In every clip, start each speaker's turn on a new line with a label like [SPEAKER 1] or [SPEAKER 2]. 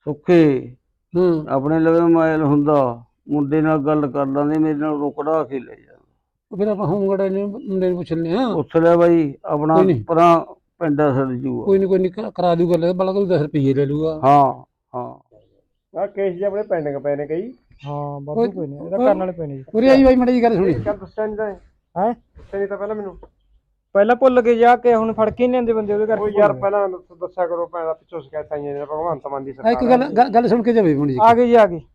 [SPEAKER 1] ਸੁੱਖੇ ਆਪਣੇ ਲਵੇ ਮੋਬਾਈਲ ਹੁੰਦਾ ਮੁੰਡੇ ਨਾਲ ਗੱਲ ਕਰ ਲਾਂਦੇ ਮੇਰੇ ਨਾਲ ਰੁਕੜਾ ਕੇ ਲੈ ਜਾਂਦਾ
[SPEAKER 2] ਫਿਰ ਆਪਾਂ ਹੋਮਗਾਰਡ ਮੁੰਡੇ ਨੂੰ ਪੁੱਛ ਲੈਂਦੇ ਹਾਂ।
[SPEAKER 1] ਪੁੱਛ ਲਿਆ ਬਾਈ ਆਪਣਾ ਪਰਾਂ ਪਿੰਡਾ ਸੜ ਜੂਗਾ।
[SPEAKER 2] ਕੋਈ ਨਹੀਂ ਕਰਾ ਦੂ ਗੱਲ ਬਲਾ ਕੋਈ 10 ਰੁਪਏ ਲੈ ਲੂਗਾ।
[SPEAKER 1] ਹਾਂ ਕੇਸ ਜੇ ਆਪਣੇ ਪੈਂਡਿੰਗ ਪਏ ਨੇ ਕਈ।
[SPEAKER 2] ਹਾਂ ਬਾਬੂ ਕੋਈ ਨਹੀਂ ਇਹਦਾ ਕਰਨ ਵਾਲੇ ਪਏ ਨੇ ਜੀ। ਉਰੇ ਆਈ ਬਾਈ ਮਾੜੀ ਜੀ ਗੱਲ ਸੁਣੀ।
[SPEAKER 1] ਚੱਲ ਦੱਸਿਆ ਨਹੀਂ ਤਾਂ
[SPEAKER 2] ਹੈ
[SPEAKER 1] ਦੱਸਿਆ ਨਹੀਂ ਤਾਂ ਪਹਿਲਾਂ ਮੈਨੂੰ
[SPEAKER 2] ਪਹਿਲਾਂ ਭੁੱਲ ਕੇ ਜਾ ਕੇ ਹੁਣ ਫੜ ਕੇ ਨਹੀਂ ਆਂਦੇ ਬੰਦੇ ਉਹਦੇ ਕਰਕੇ।
[SPEAKER 1] ਉਹ ਯਾਰ ਪਹਿਲਾਂ ਦੱਸਿਆ ਕਰੋ ਪੈਣਾ ਪਿੱਛੋਂ ਸ਼ਿਕਾਇਤ ਆਈਆਂ ਨੇ ਭਗਵੰਤ ਮਾਨ ਦੀ ਸਰਕਾਰ।
[SPEAKER 2] ਇੱਕ ਗੱਲ ਸੁਣ ਕੇ ਜਾਵੇ ਮਾੜੀ ਜੀ। ਆ ਗਈ ਜੀ ਆ ਗਈ।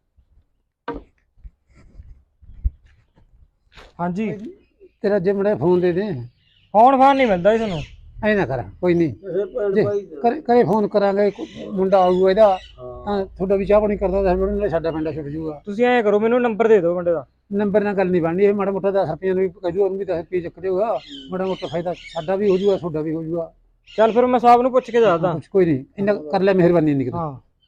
[SPEAKER 2] ਹਾਂਜੀ ਤੇਰਾ ਜੇ ਮੜਾ ਫੋਨ ਦੇ ਦੇ। ਫੋਨ ਨਹੀਂ ਮਿਲਦਾ ਜੀ ਤੁਹਾਨੂੰ। ਐ ਨਾ ਕਰ ਕੋਈ ਨਹੀਂ ਕਰੇ ਫੋਨ ਕਰਾਂਗੇ ਮੁੰਡਾ ਆਊਗਾ ਇਹਦਾ ਤਾਂ ਤੁਹਾਡਾ ਵੀ ਚਾਹ ਪਾਣੀ ਕਰਦਾ ਤਾਂ ਸਾਡਾ ਪਿੰਡਾ ਛੁੱਟ ਜੂਗਾ। ਤੁਸੀਂ ਐਂ ਕਰੋ ਮੈਨੂੰ ਨੰਬਰ ਦੇ ਦਿਓ ਮੁੰਡੇ ਦਾ। ਨੰਬਰ ਨਾਲ ਗੱਲ ਨਹੀਂ ਬਣਨੀ ਇਹ ਮਾੜਾ ਮੋਟਾ 10 ਰੁਪਏ ਨੂੰ ਵੀ ਕਹਿ ਦੂ ਉਹਨੂੰ ਵੀ 10 ਰੁਪਏ ਚੱਕ ਦੇਊਗਾ ਮਾੜਾ ਮੋਟਾ ਫਾਇਦਾ ਸਾਡਾ ਵੀ ਹੋ ਜੂਗਾ ਤੁਹਾਡਾ ਵੀ ਹੋ ਜੂਗਾ। ਚੱਲ ਫਿਰ ਮੈਂ ਸਾਹਿਬ ਨੂੰ ਪੁੱਛ ਕੇ ਦੱਸਦਾ। ਕੋਈ ਨਹੀਂ ਇੰਨਾ ਕਰ ਲੈ ਮਿਹਰਬਾਨੀ ਇੰਨੀ ਹਾਂ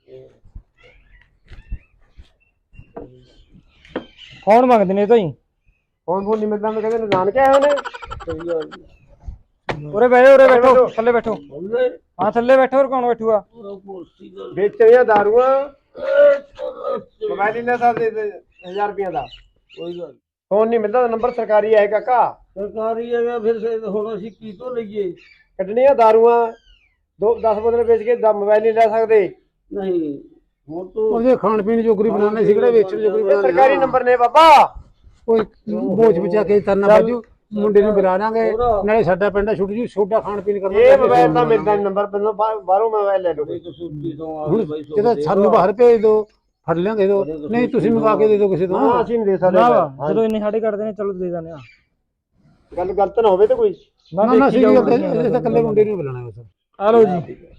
[SPEAKER 2] ਕੌਣ ਮੰਗਦੇ ਨੇ ਤਾਂ ਜੀ
[SPEAKER 1] ਫੋਨ ਨਹੀਂ ਮਿਲਦਾ ਮੈਂ ਕਹਿੰਦੇ ਨਾਨਕੇ ਆਏ ਉਹਨੇ।
[SPEAKER 2] ਉਰੇ ਬੈਠੋ ਥੱਲੇ ਬੈਠੋ। ਹਾਂ ਥੱਲੇ ਬੈਠੋ ਹੋਰ ਕੌਣ ਬੈਠੂਗਾ।
[SPEAKER 1] ਵੇਚਣੀਆਂ ਦਾਰੂਆਂ ਮੋਬਾਈਲ ਲੈ ਸਕਦੇ 1000 ਰੁਪਏ ਦਾ ਕੋਈ ਗੱਲ ਫੋਨ ਨਹੀਂ ਮਿਲਦਾ ਨੰਬਰ ਸਰਕਾਰੀ ਹੈ ਕਾਕਾ। ਸਰਕਾਰੀ ਹੈਗਾ ਫਿਰ ਹੁਣ ਅਸੀਂ ਕੀ ਤੋਂ ਲਈਏ। ਕੱਢਣੀਆਂ ਦਾਰੂਆਂ 10 ਬੋਤਲ ਵੇਚ ਕੇ ਮੋਬਾਈਲ ਨਹੀਂ ਲੈ ਸਕਦੇ। ਨਹੀਂ ਹੁਣ ਤੋਂ ਉਹਦੇ ਖਾਣ ਪੀਣ ਜੋਗਰੀ ਬਣਾਉਣੇ ਸੀ ਕਿਹੜੇ ਵੇਚਣ ਜੋਗਰੀ ਬਣਾਉਣੇ। ਸਰਕਾਰੀ ਨੰਬਰ ਨੇ ਬਾਬਾ
[SPEAKER 2] ਕੋਈ ਬੋਝ ਬਚਾ ਕੇ ਤਰਨਾ ਬਾਜੂ ਮੁੰਡੇ ਨੂੰ ਬੁਲਾ ਲਾਂਗੇ ਨਾਲੇ ਸਾਡਾ ਪਿੰਡ ਛੁੱਟ ਜੂ ਛੋਟਾ ਖਾਣ ਪੀਣ ਕਰਨਾ।
[SPEAKER 1] ਇਹ ਮੋਬਾਈਲ ਤਾਂ ਮਿਲਦਾ ਨੰਬਰ ਪਹਿਲਾਂ ਬਾਹਰੋਂ ਮੋਬਾਈਲ ਲੈ ਲਓ।
[SPEAKER 2] ਜਦੋਂ ਸਾਨੂੰ ਬਾਹਰ ਭੇਜ ਦੋ ਫੜ ਲਿਆ ਦੇ ਦੋ ਨਹੀਂ ਤੁਸੀਂ ਮੰਗਾ ਕੇ ਦੇ ਦੋ ਕਿਸੇ ਤੋਂ।
[SPEAKER 1] ਹਾਂ ਅਸੀਂ ਨਹੀਂ ਦੇ ਸਕਦੇ
[SPEAKER 2] ਜਦੋਂ ਇੰਨੇ ਸਾਡੇ ਕੱਢਦੇ ਨੇ ਚਲੋ ਦੇ ਦਿੰਦੇ ਆ।
[SPEAKER 1] ਗੱਲ ਗਲਤ ਨਾ ਹੋਵੇ ਤੇ ਕੋਈ
[SPEAKER 2] ਨਾ ਅਸੀਂ ਇਕੱਲੇ ਮੁੰਡੇ ਨੂੰ ਬੁਲਾਣਾ ਬਸ। ਆ ਲਓ ਜੀ।